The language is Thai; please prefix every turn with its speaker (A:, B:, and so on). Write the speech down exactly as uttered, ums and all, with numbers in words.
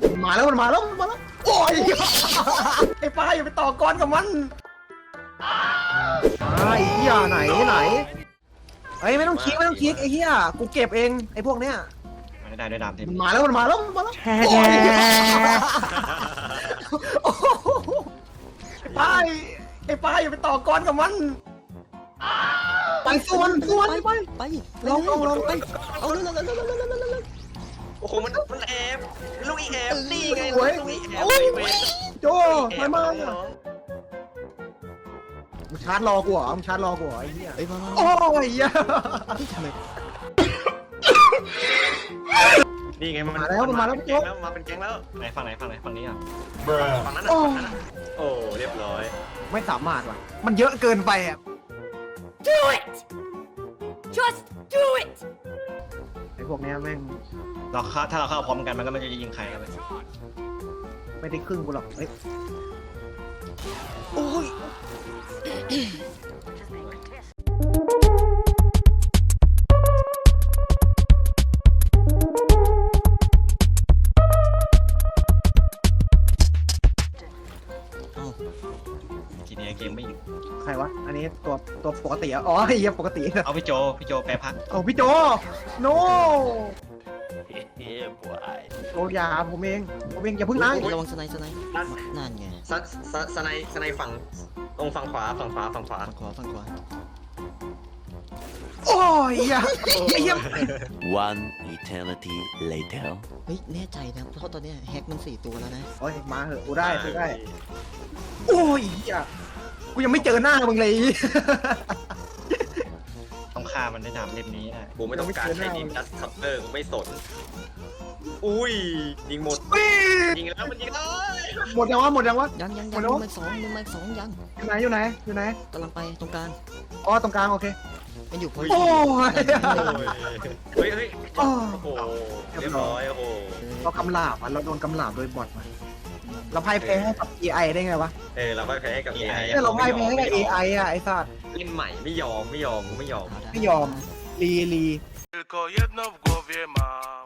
A: มาแล้วมันมาแล้วมันมาแล้วโอ้ยไอ้ป้าอย่าไปต่อกรกับมันไอ้เหี้ยไหนไหนไอ้ไม่ต้องคลิกไม่ต้องคลิกไอ้เหี้ยกูเก็บเองไอ้พวกเนี้ย
B: ไม่ได้ด้วยดามเต็ม
A: มันมาแล้วมันมาแล้วมันมาแล้วไอ้ป้าไอ้ป้าอย่าไปต่อกรกับมันไปสู้มันสู้มันไป
C: ไปลองลองลองไปเอาเร็วเร็วเร็วเร็วเร็วเร็วเร็วเร็ว
D: โอ้โหมันมันแอบลูกอีแอบนี่ไง
A: โอ้ย
D: ลูกอีแอบ
A: โอ้ยโจ้ทำไมมามึงชาร์จรอกูเหรอมึงชาร์จรอกูเหรอไอ้เหี้ย
C: ไอ้บ้า
A: โอ้ยเหี้ย
C: ที่ทำไม
D: นี่ไงมัน
A: มาแล้วมันมาแล้ว
D: เป็นแก๊งแล้วมาเป็นแก๊งแล้ว
B: ไหนฝั่งไหนฝั่งไหนฝั่งนี้อ่ะ
D: ฝั่งนั้นอ่ะฝั่งนั้นอ่ะโอ้เรียบร้อย
A: ไม่สามารถว่ะมันเยอะเกินไปอ่ะ
E: Do it! Just do it!
A: ไอ้พวกเนี้ยแม่ง
B: เราเข้าถ้าเราเข้าพร้อมกันมันก็ไม่จะยิงใครกันเลย
A: ไม่ได้ครึ่งกูหรอกเฮ้ย
C: โอ้ย
B: ทีนี้เกมไม่อยู่
A: ใครวะอันนี้ตัวตัวปกติอ่ะอ๋อไอ้เหี้ยปกติ
B: เอาพี่โจพี่โจแปรพัก
A: เอาพี่โจโน
D: เฮ้ยบวย
A: โจยาผมเองผมเองอย่าพึ่งนะ
C: ระวังสไนส์สไนส์นั่นไง
D: สสสไนสไนฝั่งตรงฝั่งขวาฝั่งขวาฝั่งขวา
C: ฝั่งขวาฝั่งขวา
A: โอ้ยเหี้ยไอ้เหี้ย
F: One eternity later.
C: เฮ้ยแน่ใจนะเพราะตอนนี้แฮกมันสี่ตัวแล้วนะ
A: โอ้ยมาเหอะกูได้กูได้โอ้ยเหี้ยกูยังไม่เจอหน้ามึงเลย
B: ต้องฆ่ามันด้วยดามเล่มนี้ได้
D: กูไม่ต้องการใช้ยิงดัสคัพเตอร์กูไม่สนอุ้ยยิงหมด
A: ปี๊ด
D: ยิงแล้วมันยิงแล้ว
A: หมดยังวะหมดยังวะ
C: ยังยัง
A: หม
C: ยั
A: ด
C: ง
A: แล้ว
C: มึงมาสองมึงมาสองยัง
A: อยู่ไหนอยู่ไหนอยู่ไหน
C: กำลังไปตรงกลาง
A: อ๋อตรงกลางโอเค
C: มันอยู่พอ
A: โอ้ย
D: เฮ้ยเฮ้ย
A: โอ้
D: โอ้โหเรียบร้อยโอ้โห
A: เรากำลาบอ่ะเราโดนกำลาบโดยบอทมาเราพ่ายแพ้ให้กับ เอ ไอ ได้ไงวะ
D: เออเราก็แพ้กับ เอ ไอ
A: เนี่ยเราพ่ายแพ้ให้กับ เอ ไอ อ่ะไอ้สัตว์
D: เล่นใหม่ไม่ยอมไม่ยอมกูไม่ยอม
A: ไม่ยอมรีรี
G: Tylko jedno w głowie mam.